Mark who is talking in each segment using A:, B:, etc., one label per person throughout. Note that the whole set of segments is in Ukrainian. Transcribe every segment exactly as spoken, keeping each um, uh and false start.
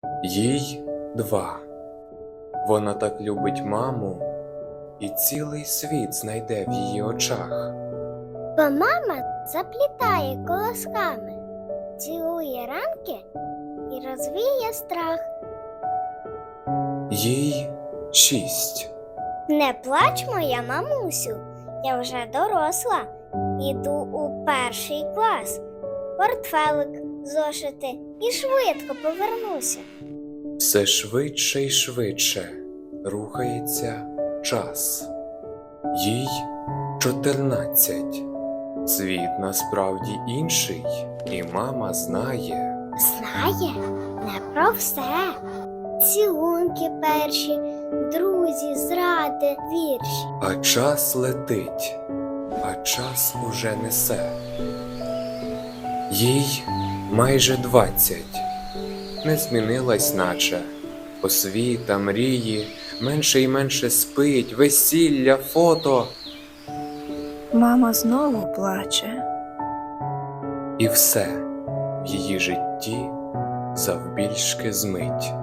A: Їй два. Вона так любить маму, і цілий світ знайде в її очах.
B: Бо мама заплітає колосками, цілує ранки і розвіє страх.
A: Їй шість.
B: Не плач, моя мамусю, я вже доросла, іду у перший клас. Портфелик, зошити і швидко повернуся.
A: Все швидше й швидше рухається час. Їй чотирнадцять. Світ насправді інший, і мама знає.
B: Знає не про все. Цілунки перші, друзі, зради, вірші.
A: А час летить, а час уже несе. Їй майже двадцять. Не змінилась наче. Освіта, мрії, менше й менше спить, весілля, фото.
C: Мама знову плаче.
A: І все в її житті завбільшки змить.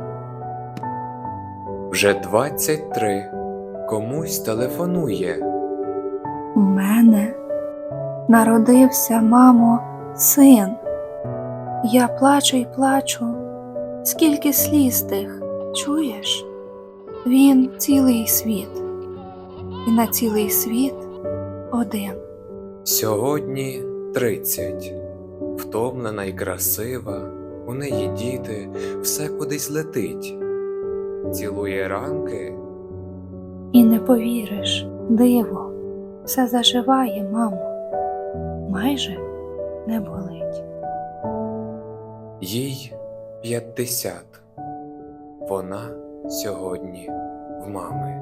A: Вже двадцять три. Комусь телефонує.
C: У мене народився, мамо, син. Я плачу й плачу, скільки сліз тих, чуєш? Він цілий світ, і на цілий світ один.
A: Сьогодні тридцять. Втомлена й красива, у неї діти, все кудись летить. Цілує ранки.
C: І не повіриш, диво, все заживає, мамо, майже не болить.
A: Їй п'ятдесят. Вона сьогодні в мами.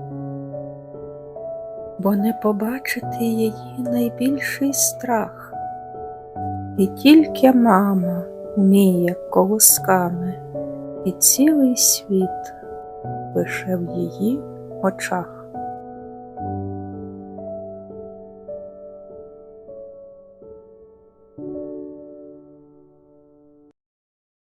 D: Бо не побачити її найбільший страх. І тільки мама вміє колосками, і цілий світ лише в її очах.